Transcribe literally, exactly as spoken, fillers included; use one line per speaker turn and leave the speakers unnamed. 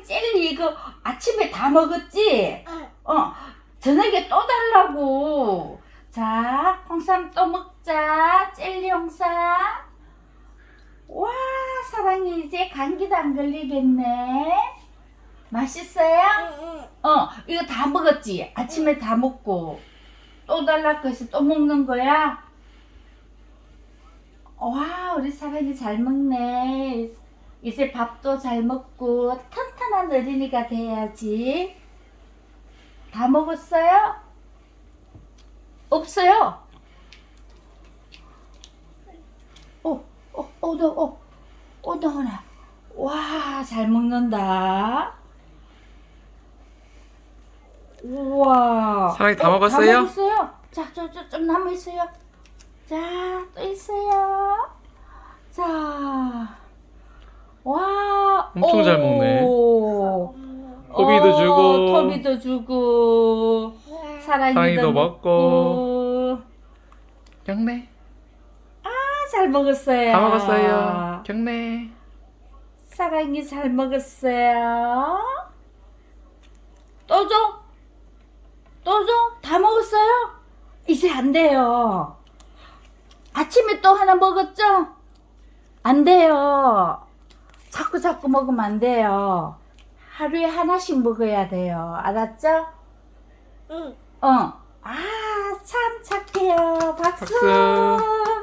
사랑이 젤리 이거 아침에 다 먹었지?
응.
어, 저녁에 또 달라고. 자, 홍삼 또 먹자. 젤리 홍삼. 와, 사랑이 이제 감기도 안 걸리겠네. 맛있어요?
응.
어, 이거 다 먹었지? 아침에 다 먹고. 또 달라고 해서 또 먹는 거야? 와, 우리 사랑이 잘 먹네. 이제 밥도 잘 먹고 튼튼한 어린이가 돼야지. 다 먹었어요? 없어요? 어, 어, 어, 너, 어, 어, 너나. 와, 잘 먹는다. 우와.
사랑이 다
어,
먹었어요?
다 먹었어요? 자, 저, 저, 좀 남아 있어요. 자, 또 있어요. 자, 와,
엄청 잘 먹네.
오.
토비도
어,
주고.
토비도 주고, 사랑이도
사랑이도
먹고.
먹고. 경례.
아, 잘 먹었어요.
다 먹었어요. 경례.
사랑이 잘 먹었어요. 또 줘? 또 줘? 다 먹었어요? 이제 안 돼요. 아침에 또 하나 먹었죠? 안 돼요. 자꾸 자꾸 먹으면 안 돼요. 하루에 하나씩 먹어야 돼요. 알았죠?
응.
어. 아, 참 착해요. 박수.
박수.